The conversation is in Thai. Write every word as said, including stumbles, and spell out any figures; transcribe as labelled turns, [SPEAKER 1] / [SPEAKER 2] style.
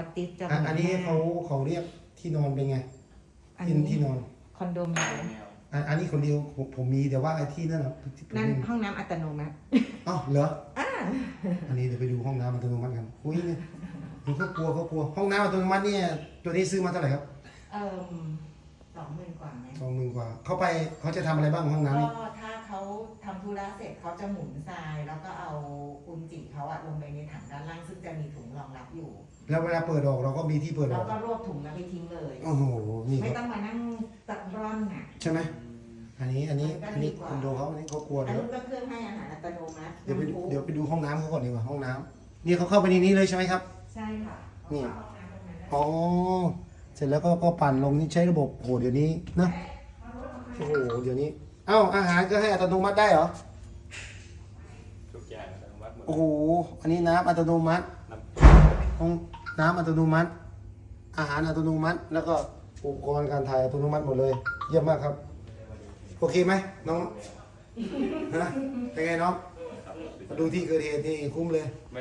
[SPEAKER 1] อตติสจะ
[SPEAKER 2] อ่ะอันนี้เขาเขาเรียกที่นอนเป็นไง
[SPEAKER 1] อัน
[SPEAKER 2] ที่
[SPEAKER 1] นี้
[SPEAKER 2] ที่นอน
[SPEAKER 1] คอนโดมิเนียม
[SPEAKER 2] อันอันนี้คนเดียวผมผมมีแต่ว่าไอ้ที่นั่นอะที่ผม
[SPEAKER 1] นั่น
[SPEAKER 2] ไม่มี
[SPEAKER 1] ห้องน้ำอัตโนมัติ
[SPEAKER 2] อ้าวเหรออันนี้เดี๋ยวไปดูห้องน้ำอัตโนมัติกันอุ้ยเนี่ยดูเขากลัวเขากลัวห้องน้ำอัตโนมัติเนี่ยตัวนี้ซื้อมาเท่าไหร่ครับ
[SPEAKER 1] เอ่อสองหมื่นกว่าไหม
[SPEAKER 2] สองหมื่นกว่าเข้าไปเขาจะทำอะไรบ้างห้องน้ำนี่
[SPEAKER 1] ก็ถ้าเขาทำธุระเสร็จเขาจะหมุนทราย แล้วก็เอาอุนจิเขาอะลงไปในถังด้านล่างซึ่งจะมีถุงรองรับอยู่
[SPEAKER 2] แล้วเวลาเปิดออกเราก็มีที่เปิดอ
[SPEAKER 1] แล้
[SPEAKER 2] อ
[SPEAKER 1] ว
[SPEAKER 2] ก
[SPEAKER 1] ก็รวบถุงแล้วไปทิ้งเลย
[SPEAKER 2] โอ้โหนี่
[SPEAKER 1] ไม่
[SPEAKER 2] ครับ
[SPEAKER 1] ต้องมานั่งตัดร่อนน่ะ
[SPEAKER 2] ใช่ไหมอันนี้อันนี้
[SPEAKER 1] มันก็
[SPEAKER 2] อันนี้
[SPEAKER 1] ดีกว่า
[SPEAKER 2] คอนโดเขาอันนี้เขากลัว
[SPEAKER 1] อัน
[SPEAKER 2] เดี๋ยว
[SPEAKER 1] นู้นก็เครื่องให้อาหารอัตโนมัติ
[SPEAKER 2] เดี๋ยวไปดู
[SPEAKER 1] น้ำพุ
[SPEAKER 2] เดี๋ยวไปดูห้องน้ำเขาก่อนดีกว่าห้องน้ำนี่เขาเข้าไปในนี้เลยใช่ไหมครับ
[SPEAKER 1] ใช่ค่ะ
[SPEAKER 2] นี่
[SPEAKER 1] ห้องน้ำตรงนั้นนะ
[SPEAKER 2] อ๋อเสร็จแล้วก็ก็ปั่นลงนี่ใช้ระบบโอ้โหเดี๋ยวนี้นะโอ้โหเดี๋ยวนี้เอ้าอาหารก็ให้อัตโนมัติได้เหรอ
[SPEAKER 3] ทุกอย่างอัตโนมัติหมด
[SPEAKER 2] โอ้โหอันนี้น้ำอัตโนมัติ
[SPEAKER 3] น้ำ
[SPEAKER 2] ห้องน้ำอัตโนมัติ อาหารอัตโนมัติ แล้วก็อุปกรณ์การถ่ายอัตโนมัติหมดเลย เยี่ยมมากครับ โอเคไหมน้องฮะเป็นไงน้องมาดูที่เกิดเหตุนี่คุ้มเลย